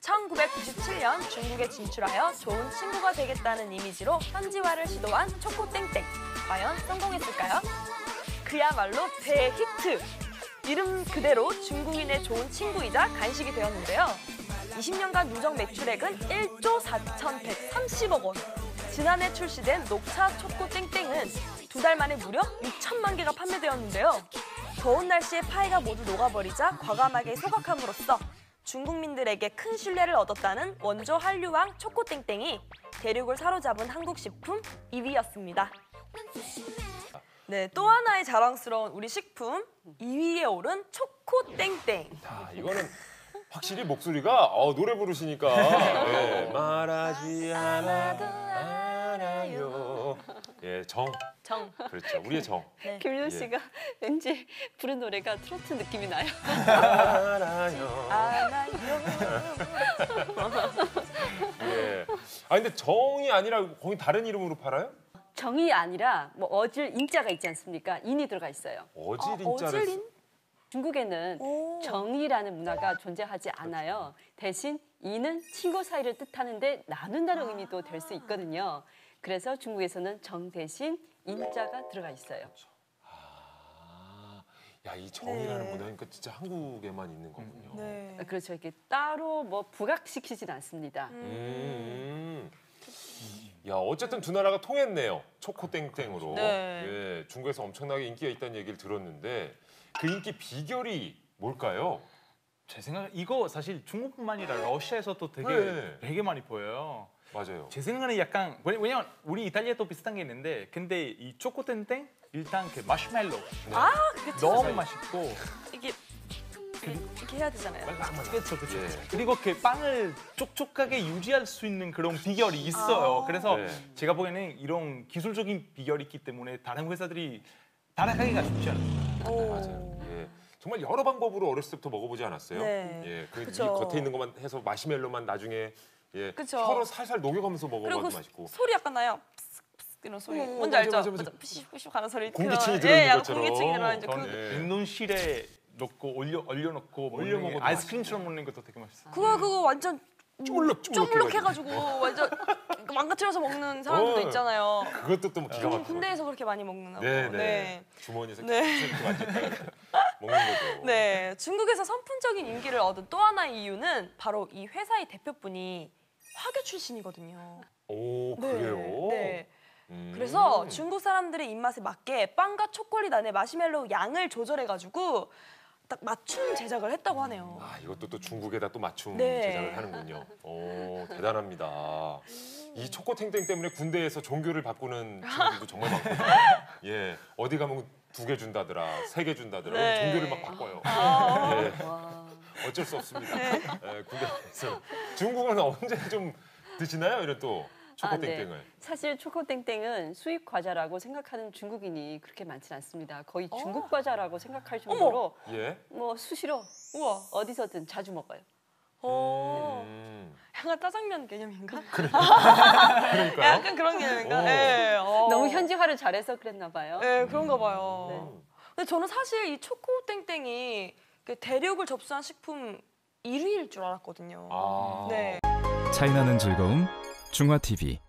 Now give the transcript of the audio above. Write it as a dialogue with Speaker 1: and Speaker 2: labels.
Speaker 1: 1997년 중국에 진출하여 좋은 친구가 되겠다는 이미지로 현지화를 시도한 초코땡땡. 과연 성공했을까요? 그야말로 대히트! 이름 그대로 중국인의 좋은 친구이자 간식이 되었는데요. 20년간 누적 매출액은 1조 4,130억 원. 지난해 출시된 녹차 초코땡땡은 2달 만에 무려 6천만 개가 판매되었는데요. 더운 날씨에 파이가 모두 녹아버리자 과감하게 소각함으로써 중국민들에게 큰 신뢰를 얻었다는 원조 한류왕 초코땡땡이 대륙을 사로잡은 한국 식품 2위였습니다. 네, 또 하나의 자랑스러운 우리 식품 2위에 오른 초코땡땡.
Speaker 2: 자, 이거는 확실히 목소리가 노래 부르시니까 네, 말하지 않아도 알아요. 예, 정. 그렇죠, 우리의 정.
Speaker 3: 네. 김윤 씨가 왠지 부른 노래가 트로트 느낌이 나요.
Speaker 2: 알아요. 예. 아 근데 정이 아니라 거기 다른 이름으로 팔아요?
Speaker 3: 정이 아니라 뭐 어질 인자가 있지 않습니까? 인이 들어가 있어요.
Speaker 2: 어질 인자를
Speaker 1: 어질인?
Speaker 3: 중국에는 정이라는 문화가 존재하지 않아요. 대신 이는 친구 사이를 뜻하는데 나눈다는 의미도 될 수 있거든요. 그래서 중국에서는 정 대신 인자가 들어가 있어요.
Speaker 2: 야, 이 정이라는 문화니까 진짜 한국에만 있는 거군요.
Speaker 1: 네.
Speaker 3: 그렇죠. 이렇게 따로 뭐 부각시키진 않습니다.
Speaker 2: 야, 어쨌든 두 나라가 통했네요. 초코땡땡으로.
Speaker 1: 네.
Speaker 2: 예, 중국에서 엄청나게 인기가 있다는 얘기를 들었는데 그 인기 비결이 뭘까요?
Speaker 4: 제 생각에 이거 사실 중국뿐만 아니라 러시아에서도 되게 많이 보여요.
Speaker 2: 맞아요.
Speaker 4: 제 생각에는 약간 왜냐면 우리 이탈리아도 비슷한 게 있는데 근데 이 초코땡땡 일단 그 마시멜로
Speaker 1: 그렇죠.
Speaker 4: 너무 맛있고
Speaker 1: 이게 이렇게 해야 되잖아요.
Speaker 4: 그렇죠.
Speaker 2: 예.
Speaker 4: 그리고 그 빵을 촉촉하게 유지할 수 있는 그런 비결이 있어요. 그래서
Speaker 2: 네.
Speaker 4: 제가 보기에는 이런 기술적인 비결이 있기 때문에 다른 회사들이 따라가기가 쉽지 않아요.
Speaker 2: 맞아요. 예. 정말 여러 방법으로 어렸을 때부터 먹어보지 않았어요?
Speaker 1: 네.
Speaker 2: 예, 그
Speaker 1: 그쵸.
Speaker 2: 겉에 있는 것만 해서 마시멜로만 나중에 예,
Speaker 1: 그쵸.
Speaker 2: 혀로 살살 녹여가면서 먹어봐도
Speaker 1: 그리고
Speaker 2: 맛있고.
Speaker 1: 소리 약간 나요. 이런 소리. 뭔지
Speaker 2: 맞아,
Speaker 1: 알죠?
Speaker 2: 맞아.
Speaker 1: 푸시푸시 하는 소리.
Speaker 2: 공기층이
Speaker 1: 그런-
Speaker 2: 들어있는
Speaker 1: 예, 약간
Speaker 2: 것처럼.
Speaker 1: 공기층이 들어있는
Speaker 4: 저는
Speaker 2: 예.
Speaker 4: 냉동실에 넣고 얼려놓고
Speaker 2: 올려 먹어도
Speaker 4: 아이스크림처럼 먹는 것도 되게 맛있어요.
Speaker 1: 그거 완전
Speaker 2: 쪼물럭
Speaker 1: 해가지고 완전 망가뜨려서 먹는 사람들도 있잖아요.
Speaker 2: 그것도 또 기가 막히고.
Speaker 1: 군대에서 그렇게 많이 먹는
Speaker 2: 네,
Speaker 1: 거.
Speaker 2: 네. 주머니에서
Speaker 1: 네.
Speaker 2: 이렇게 만졌다가 먹는 거죠.
Speaker 1: 네, 중국에서 선풍적인 인기를 얻은 또 하나의 이유는 바로 이 회사의 대표분이 화교 출신이거든요.
Speaker 2: 오,
Speaker 1: 네,
Speaker 2: 그래요?
Speaker 1: 네. 그래서 중국 사람들의 입맛에 맞게 빵과 초콜릿 안에 마시멜로우 양을 조절해가지고 딱 맞춤 제작을 했다고 하네요.
Speaker 2: 아, 이것도 또 중국에다 또 맞춤
Speaker 1: 네.
Speaker 2: 제작을 하는군요. 오, 대단합니다. 이 초코탱탱 때문에 군대에서 종교를 바꾸는 친구들도 정말 많거든요. 예, 어디 가면 2개 준다더라, 3개 준다더라.
Speaker 1: 네.
Speaker 2: 종교를 막 바꿔요. 예,
Speaker 3: 와.
Speaker 2: 어쩔 수 없습니다. 예, 군대에서. 중국은 언제 좀 드시나요? 이런 또 초코땡땡을.
Speaker 3: 사실 초코땡땡은 수입 과자라고 생각하는 중국인이 그렇게 많지는 않습니다. 거의 중국 과자라고 생각할 정도로
Speaker 2: 예.
Speaker 3: 뭐 수시로
Speaker 1: 우와.
Speaker 3: 어디서든 자주 먹어요.
Speaker 1: 약간 짜장면 개념인가?
Speaker 2: 그러니까요.
Speaker 1: 약간 그런 개념인가? 네.
Speaker 3: 너무 현지화를 잘해서 그랬나 봐요.
Speaker 1: 네, 그런가 봐요.
Speaker 3: 네.
Speaker 1: 근데 저는 사실 이 초코땡땡이 그 대륙을 접수한 식품 1위일 줄 알았거든요.
Speaker 2: 아.
Speaker 1: 네.
Speaker 5: 차이나는 즐거움 중화TV